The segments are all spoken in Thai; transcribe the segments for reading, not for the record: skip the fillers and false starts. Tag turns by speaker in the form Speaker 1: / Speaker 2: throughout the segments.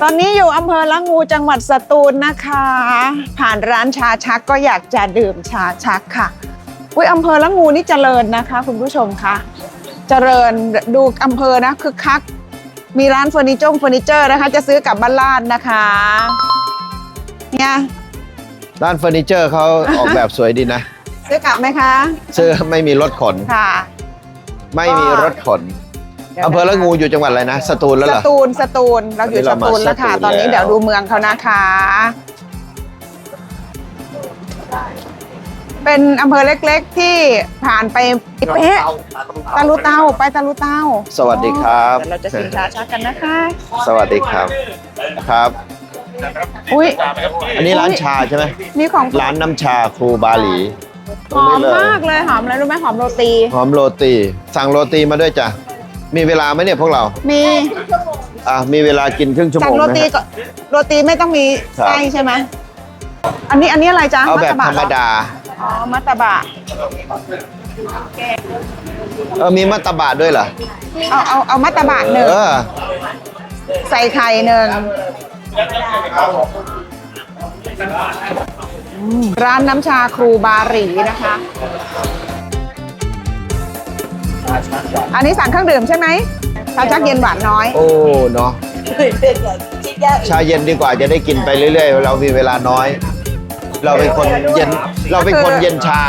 Speaker 1: อนนี้อยู่อำเภอละงูจังหวัดสตูลนะคะ ผ่านร้านชาชักก็อยากจะดื่มชาชักค่ะอุ้ยอำเภอละงูนี่เจริญนะคะคุณผู้ชมคะเจริญดูอำเภอนะคึกคักมีร้านเฟอร์นิเจอร์นะคะจะซื้อกลับบ้านลาดนะคะเนี่ย
Speaker 2: ร้านเฟอร์นิเจอร์เขาออกแบบสวยดีนะ
Speaker 1: ซื้อกลับไหมคะ
Speaker 2: ซื้อไม่มีรถขน
Speaker 1: ค่ะ
Speaker 2: ไม่มีรถขนอำเภอละงูอยู่จังหวัดอะไรนะสตูลแล้วเหรอ
Speaker 1: สตูลเราอยู่สตูลแล้วค่ะตอนนี้เดี๋ยวดูเมืองเขานะคะ เป็นอำเภอเล็กๆที่ผ่านไปเป๊ะตะลุเตาไปตะลุเตา
Speaker 2: สวัสดีครับ
Speaker 1: เดี๋ยวเราจะชิมชาชักกันนะคะ
Speaker 2: สวัสดีครับครับ
Speaker 1: อุ้ย
Speaker 2: อันนี้ร้านชาใช่ไหม
Speaker 1: นี่ของ
Speaker 2: ร้านน้ำชาครูบาหลี
Speaker 1: หอมมากเลยหอมอะไรรู้ไหมหอมโรตี
Speaker 2: หอมโรตีสั่งโรตีมาด้วยจ้ะมีเวลาไหมเนี่ยพวกเรา
Speaker 1: มี
Speaker 2: มีเวลากินครึ่งชั่วโม
Speaker 1: สั่ง
Speaker 2: ง
Speaker 1: โร
Speaker 2: ไหม
Speaker 1: ตี
Speaker 2: ฮะ
Speaker 1: ก็โรตีไม่ต้องมี
Speaker 2: ครับ
Speaker 1: ไส้ใช่ไหมอันนี้อะไรจ๊ะ
Speaker 2: เอาแบบ
Speaker 1: ตะ
Speaker 2: ธรรมดา
Speaker 1: อ๋อมัตตบะ
Speaker 2: มีมัตตบะด้วยเหรอ
Speaker 1: เอามัตตบะหนึ่ง ใส่ไข่หนึ่งร้านน้ำชาครูบาหรีนะคะ อันนี้สั่งเครื่องดื่มใช่ไหมชาชักเย็นหวานน้อย
Speaker 2: โอ้เนาะชาเย็นดีกว่าจะได้กินไปเรื่อยๆเรามีเวลาน้อย เราเป็นคนเย็นชา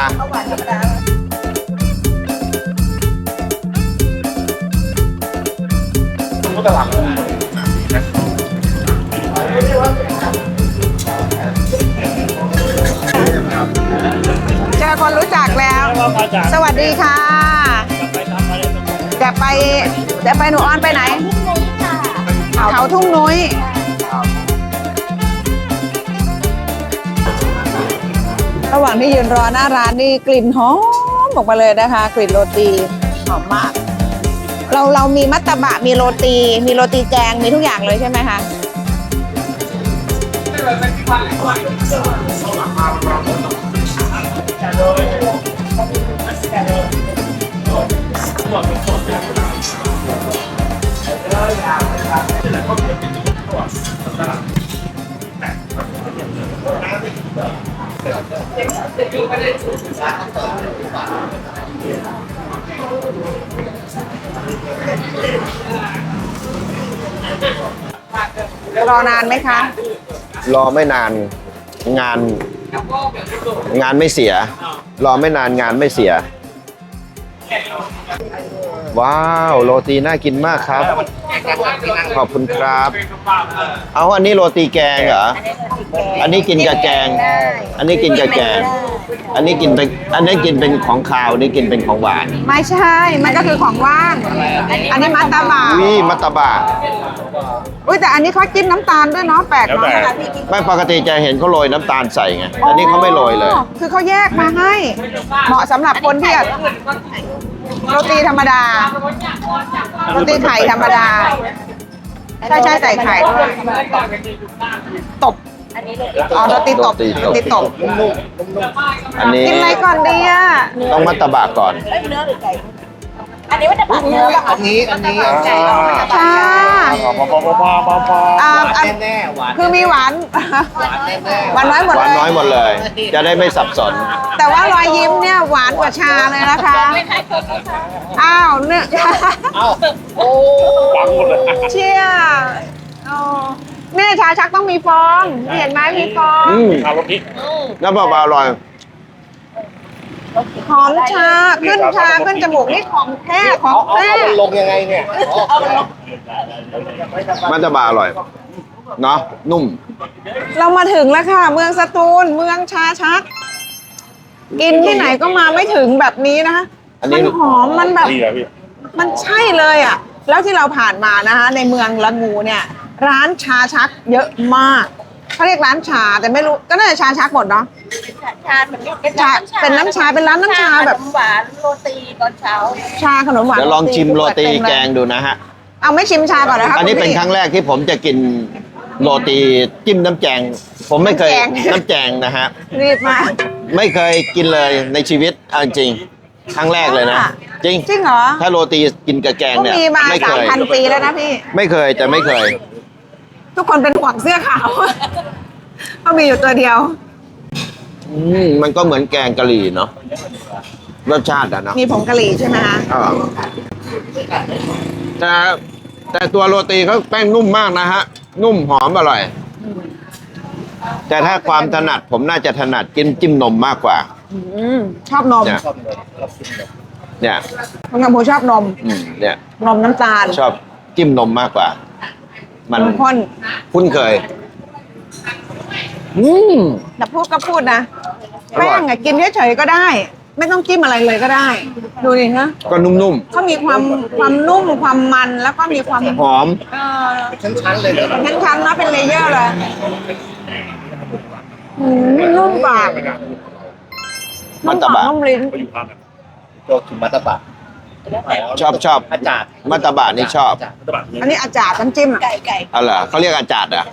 Speaker 1: เจอคนรู้จักแล้ว สวัสดีค่ะ จะไปหนูออนไปไหน เขาทุ่งนุ้ยระหว่างที่ยืนรอหน้าร้านนี่กลิ่นหอมออกมาเลยนะคะ กลิ่นโรตีหอมมาก เรามีมัตตบะมีโรตีแกงมีทุกอย่างเลยใช่ไหมคะรอนานไหมคะ
Speaker 2: รอไม่นานงานไม่เสีย รอไม่นานงานไม่เสีย ว้าวโรตีน่ากินมากครับ ขอบคุณครับ เอาอันนี้โรตีแกงเหรออันนี้กินกับแกง อันนี้กินกับแกง อันนี้กินเป็นของคาวนี่กินเป็นของหวาน
Speaker 1: ไม่ใช่ มันก็คือของว่าง อันนี้มัตตบะ
Speaker 2: วิมัตตบะ
Speaker 1: อุ้ยแต่อันนี้เขาจิ้มน้ำตาลด้วยเนาะแปลกเนาะ
Speaker 2: ไม่ปกติจะเห็นเขาโรยน้ำตาลใส่ไงอันนี้เขาไม่โรยเลย
Speaker 1: คือเขาแยกมาให้ เหมาะสำหรับคนที่โรตีธรรมดา โรตีไข่ธรรมดา ใช่ใส่ไข่ด้วยตบอ๋อโรตีตบ
Speaker 2: อันนี้
Speaker 1: กินอะไรก่อนดีอ่ะ
Speaker 2: ต้องมัตตบะก่อน
Speaker 3: อันนี้ว่าจะปัดเนื้อแบบอันนี้
Speaker 1: ค่ะ
Speaker 3: แน่ๆหวาน
Speaker 1: คือมีหวานหวานน้อยหมด
Speaker 2: หวาน
Speaker 1: เลย
Speaker 2: น้อยหมดเลย จะได้ไม่สับสน
Speaker 1: แต่ว่ารอยยิ้มเนี่ยหวานกว่าชาเลยนะคะ อ้าวเนี่ย
Speaker 3: โอ้
Speaker 1: เชี่ยอ๋อเนี่ยชาชักต้องมีฟองเห็นไหมมีฟอง
Speaker 2: น้ำเปล่าๆอร่อย
Speaker 1: หอมชาขึ้นจมูกนี่ของแท้ของแท้
Speaker 3: มันลงยังไงเนี่ย
Speaker 2: มัตตบะอร่อย เนาะนุ่ม
Speaker 1: เรามาถึงแล้วค่ะ เมืองสตูลเมืองชาชัก กินที่ไหนก็มาไม่ถึงแบบนี้นะคะ
Speaker 2: อันนี้
Speaker 1: มันหอมมันแบบ มันใช่เลยอ่ะ แล้วที่เราผ่านมานะคะในเมืองละงูเนี่ย ร้านชาชักเยอะมากเขาเรียกร้านชาแต่ไม่รู้ก็น่าจะชาชักหมดเนาะ
Speaker 3: ชาเหมือนเป็น
Speaker 1: เป็นน้ำชาเป็นร้านน้ำชาแบบ
Speaker 3: หวานโรตีตอนเช้า
Speaker 1: ชาขนมหวาน
Speaker 2: เดี๋ยวลองชิมโรตีแกงดูนะฮะ
Speaker 1: เอาไม่ชิมชาก่อนนะคะ
Speaker 2: อันนี้
Speaker 1: คุณ
Speaker 2: เป็น
Speaker 1: พี่
Speaker 2: ครั้งแรกที่ผมจะกินโรตีจิ้มน้ำแกง ผมไม่เคย
Speaker 1: น้ำแกง
Speaker 2: น้ำแกงนะฮะ
Speaker 1: รีบมา
Speaker 2: ไม่เคยกินเลยในชีวิตเอาจริง ครั้งแรกเลยนะ จริง
Speaker 1: จริงเหรอ
Speaker 2: ถ้าโรตีกินกับแกง
Speaker 1: ก็
Speaker 2: เนี่ย
Speaker 1: มีมา
Speaker 2: ไม่เคย
Speaker 1: 3,000 ปีแล้วนะพี่
Speaker 2: ไม่เคยแต่ไม่เคย
Speaker 1: ทุกคนเป็นห่วงเสื้อขาว ก็มีอยู่ตัวเดียว
Speaker 2: มันก็เหมือนแกงกะหรี่เนาะรสชาติอะเนาะ
Speaker 1: มีผงกะหรี่ใช่ไหมคะ
Speaker 2: แต่ตัวโรตีเขาแป้งนุ่มมากนะฮะ นุ่มหอมอร่อย แต่ถ้าความถนัดผมน่าจะถนัดกินจิ้มนมมากกว่า
Speaker 1: ชอบนม
Speaker 2: เนี่ย เนี่ย
Speaker 1: คุณกำพูชอบนม
Speaker 2: เนี่ย
Speaker 1: นมน้ำตาล
Speaker 2: ชอบจิ้มนมมากกว่า มัน
Speaker 1: ข้น
Speaker 2: คุ้นเคย
Speaker 1: แต่พูดก็พูดนะ
Speaker 2: อร่อย
Speaker 1: แป้งอะกินเฉยๆก็ได้ ไม่ต้องจิ้มอะไรเลยก็ได้ ดูดินะ
Speaker 2: ก็นุ่ม
Speaker 1: เขามีความนุ่มความมันแล้วก็มีความ
Speaker 2: ๆหอม
Speaker 3: ชั้นๆเลยนะ
Speaker 1: เป็นชั้นๆนะเป็นเลเยอร์เลยนุ่มปาก
Speaker 2: มัตตบะ
Speaker 1: นุ่มลิ้น
Speaker 3: โจคุมัตตบะ
Speaker 2: ชอบ
Speaker 3: อาจารย์
Speaker 2: มัตตบะนี่ชอบ
Speaker 1: อันนี้อาจารย์น้ำจิ้มอะ
Speaker 3: ไก่
Speaker 2: อะไรอเขาเรียกอาจารย์อ่ะ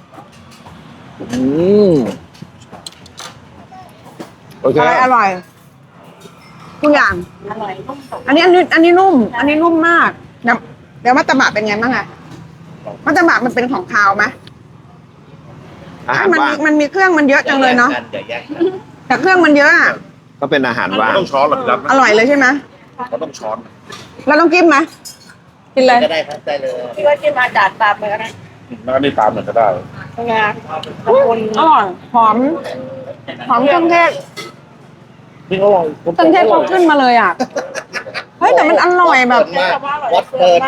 Speaker 2: โอเค
Speaker 1: อร่อยทุกอย่าง
Speaker 3: อร่อยนุ่ม
Speaker 1: อันนี้นุ่ม อันนี้นุ่มมากเดี๋ยวมัตตบะเป็นไงบ้างอะมัตตบะมันเป็นของคาวไหม
Speaker 2: อาหาร
Speaker 1: มัน
Speaker 2: ว่าง
Speaker 1: มีเครื่องมันเยอะจังเลยเนาะ
Speaker 3: อย่าแยกกัน
Speaker 1: แต่เครื่องมันเยอะอะ
Speaker 2: ก็เป็นอาหารว่าง
Speaker 4: ต้องช้อนหรอพี่รับ
Speaker 1: อร่อยเลยใช่ไหม
Speaker 4: เขาต้องช้อน
Speaker 1: เราต้องจิ้มไหมกินเลย
Speaker 3: ก็ได้ครับได้เลยพี่ว่าจิ้มอาจารย์ตามเลยก็ได้
Speaker 4: แล้วก็นี่ตามหน่อยก็ได้
Speaker 3: งา
Speaker 1: อร่อยหอมเครื่องเทศ
Speaker 4: นี่เขาลอง
Speaker 1: เครื่องเทศเขาขึ้นมาเลยอ่ะเฮ้ยแต่มันอร่อยแบบ
Speaker 3: วัดเปิด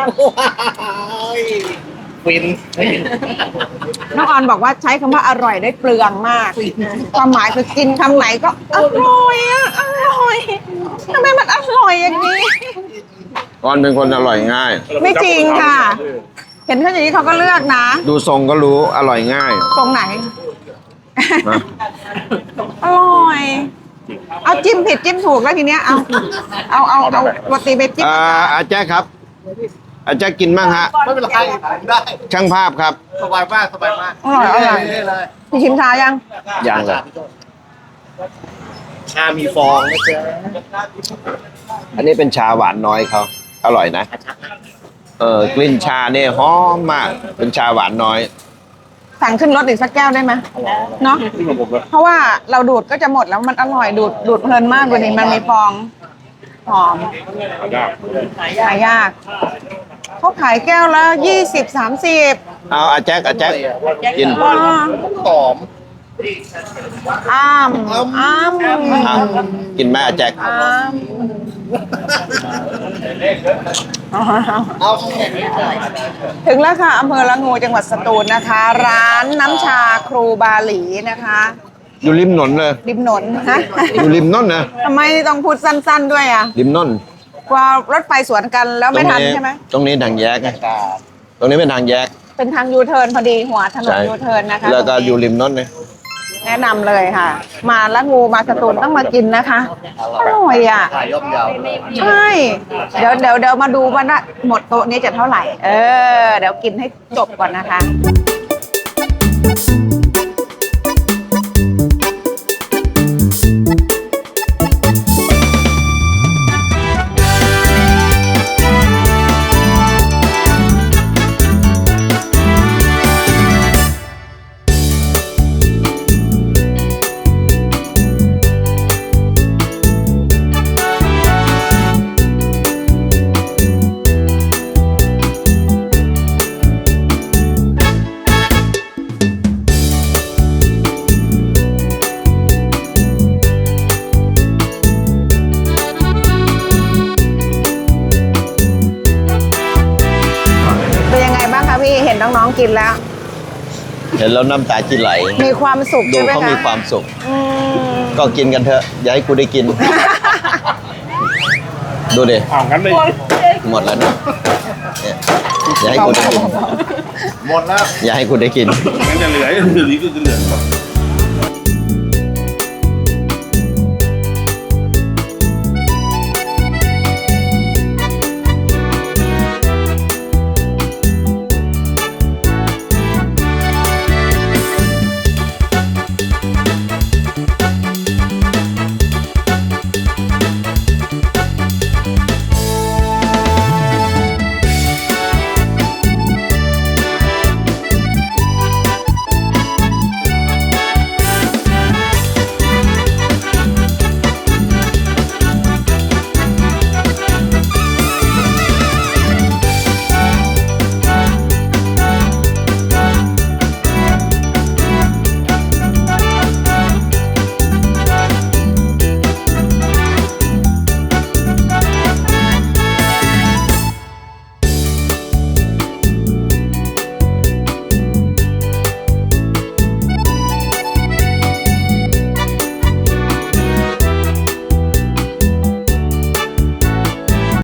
Speaker 3: ฟิน
Speaker 1: น้องออนบอกว่าใช้คำว่าอร่อยได้เปลืองมาก ความหมายคือกินคำไหนก็อร่อยอะอร่อยทำไมมันอร่อยอย่างนี้
Speaker 2: ก่อนเป็นคนอร่อยง่าย
Speaker 1: ไม่จริงค่ะ เห็นเขาอย่างนี้เขาก็เลือกนะ
Speaker 2: ดูทรงก็รู้อร่อยง่าย
Speaker 1: ตรงไหน
Speaker 2: นะ
Speaker 1: อร่อย เอาจิ้มผิดจิ้มถูกแล้วทีเนี้ยเอาโรตีไปจิ้ม
Speaker 2: อาแจ๊คครับ อาแจ๊คกินบ้างฮะ
Speaker 3: ไม่เป็นไรได้
Speaker 2: ช่างภาพครับ
Speaker 3: สบายมากสบายมาก
Speaker 1: อร่อย
Speaker 3: เลย
Speaker 1: พี่ชิมชายัง
Speaker 2: ยังเลย
Speaker 3: ชามีฟองนะเจ๊
Speaker 2: อันนี้เป็นชาหวานน้อยเขาอร่อยนะ กลิ่นชาเนี่ยหอมมาก เป็นชาหวานน้อย
Speaker 1: สั่งขึ้นรถอีกสักแก้วได้ไหมเนาะ
Speaker 4: ที่ของผมเลย
Speaker 1: เพราะว่าเราดูดก็จะหมดแล้วมันอร่อยดูดเพลินมากกว่านี้มันมีฟองหอม
Speaker 4: ยาก
Speaker 1: หายากเขาขายแก้วละ20-30
Speaker 2: เอาอาแจ๊คกิน
Speaker 3: หอม
Speaker 1: อ้ามอ้าม
Speaker 2: เอากินไหมอาแจ๊ค
Speaker 1: อ้าม
Speaker 3: เอา
Speaker 1: ถึงแล้วค่ะอำเภอละงูจังหวัดสตูลนะคะ ร้านน้ำชาครูบาหลีนะคะ
Speaker 2: อยู่ริมถนนเลย
Speaker 1: ริมหนนฮะ
Speaker 2: อยู่ริมนนนะ
Speaker 1: ทำไมต้องพูดสั้นๆด้วยอ่ะ
Speaker 2: ริมนน
Speaker 1: กลัวรถไฟสวนกันแล้วไม่ทันใช่ไหม
Speaker 2: ตรงนี้ทางแยกไงตรงนี้เป็นทางแยก
Speaker 1: เป็นทางยูเทิร์นพอดีหัวถนน
Speaker 2: ใช่
Speaker 1: ยูเทิร์นนะคะ
Speaker 2: แล้วก็
Speaker 1: ตรงนี้
Speaker 2: อยู่ริมนนเลย
Speaker 1: แนะนำเลยค่ะ มาละงูมาสตูลต้องมากินนะคะอร่อยอ่ะ
Speaker 3: ถ่ายย่อมยาว
Speaker 1: ใช่ เดี๋ยวมาดูว่านะหมดโต๊ะนี้จะเท่าไหร่ เดี๋ยวกินให้จบก่อนนะคะ เป็นยังไงบ้างคะพี่เห็นน้องๆกินแล้ว
Speaker 2: เห็นแล้วน้ำตาจิไหล
Speaker 1: มีความสุข
Speaker 2: ดู
Speaker 1: ใช่ไหม
Speaker 2: เขา
Speaker 1: คะ
Speaker 2: มีความสุข
Speaker 1: อืม
Speaker 2: ก็กินกันเถอะ อย่าให้กูได้กิน ดูดิ
Speaker 4: อ้าวงั้นเลย
Speaker 2: หมดแล้วเนี่ยเนี่ยอย่าให้กูได้กิน
Speaker 3: หมดแล้ว
Speaker 2: อย่าให้กูได้กิน
Speaker 4: งั้นจะเหลือก็จะเหลือ